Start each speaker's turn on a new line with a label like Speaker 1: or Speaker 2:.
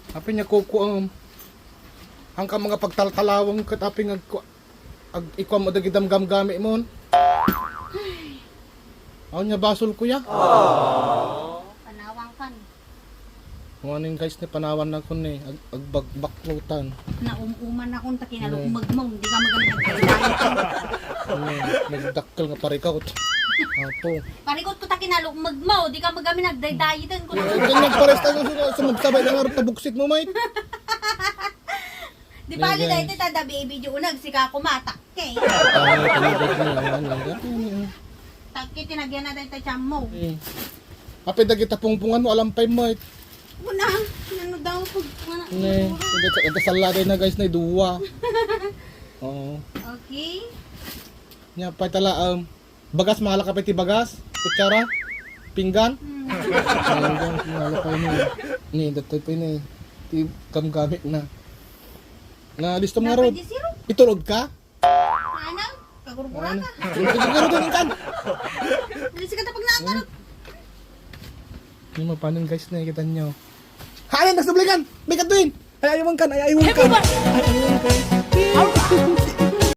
Speaker 1: Api niya kuko ang ka mga pagtaltalawang kat api nga ikaw mo dagidam gamgami mo. Aw niya basol kuya.
Speaker 2: Panawang kan.
Speaker 1: Morning guys ni panawan na ko ni agbakbaklutan.
Speaker 2: Naumuman akong takinalugmag mo, hindi ka magamit nagdaydayan.
Speaker 1: Nagdakkel nga parikot. Apo.
Speaker 2: Parikot ko takinalugmag mo, hindi ka magamit nagdaydayan ko.
Speaker 1: Ganyan pares tayo sumagsabay na nga rin tabuksit mo, mate.
Speaker 2: Di ba ali dahil tada baby junag sika kumatak kay. Takki tinagyan na dahil tiyam mo.
Speaker 1: Ape dagi tapungpungan mo alampay mo.
Speaker 2: Una, ano daw pag mga
Speaker 1: Ne, ito salada na guys na duwa. Oo.
Speaker 2: Okay.
Speaker 1: Nya pa tala bagas mahal ka pati bagas, kutsara, pinggan. Ayun, mahal pa ni datoy pa ni. Ti gamgamit na. Na listo mo ron. Itulog ka?
Speaker 2: Ano? Kagurugura ka.
Speaker 1: Siguro din kan.
Speaker 2: Alis ka tapag naangarap.
Speaker 1: Yung mapanin guys na kita nyo. Hayan, nagsublikan! May katuin! Ay, ayawan kan! Ay, ayawan kan! Ay, ayawan kan!